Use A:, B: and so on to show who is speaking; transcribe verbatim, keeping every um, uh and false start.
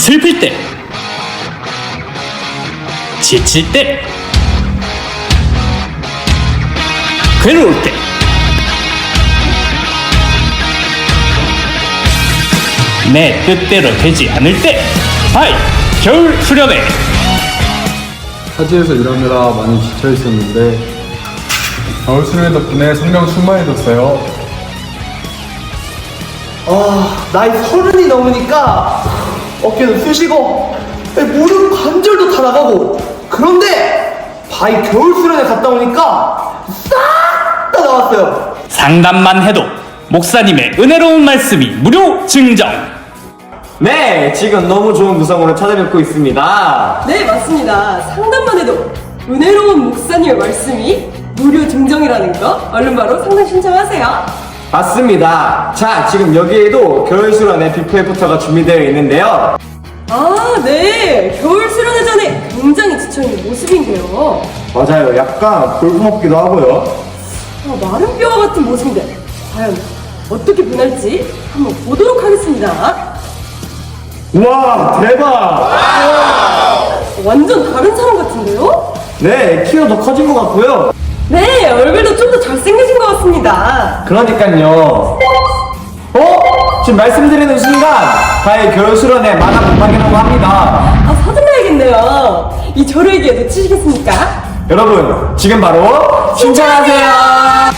A: 슬플 때, 지칠 때, 괴로울 때, 내 뜻대로 되지 않을 때, 하이 겨울 수련회.
B: 타지에서 일하느라 많이 지쳐 있었는데 겨울 수련회 덕분에 성령 충만해졌어요.
C: 아, 나이 서른이 넘으니까 어깨도 쑤시고 무릎 관절도 다 나가고. 그런데 바이 겨울 수련회 갔다 오니까 싹 다 나왔어요.
A: 상담만 해도 목사님의 은혜로운 말씀이 무료 증정.
D: 네, 지금 너무 좋은 구성으로 찾아뵙고 있습니다.
E: 네, 맞습니다. 상담만 해도 은혜로운 목사님의 말씀이 무료 증정이라는 거 얼른 바로 상담 신청하세요.
D: 맞습니다. 자, 지금 여기에도 겨울 수련회 비포 애프터가 준비되어 있는데요.
E: 아, 네. 겨울 수련회 전에 굉장히 지쳐있는 모습인데요.
D: 맞아요. 약간 볼품없기도 하고요.
E: 아, 마른 뼈와 같은 모습인데 과연 어떻게 변할지 한번 보도록 하겠습니다.
D: 우와, 대박!
E: 완전 다른 사람 같은데요?
D: 네, 키가 더 커진 것 같고요.
E: 네, 얼굴도 좀 더 잘생겨진 것 같습니다.
D: 그러니까요. 어? 지금 말씀드리는 순간 바이 겨울 수련회 만화 본방이라고 합니다.
E: 아, 서둘러야겠네요. 이 저를 기회 놓치시겠습니까?
D: 여러분, 지금 바로 신청하세요.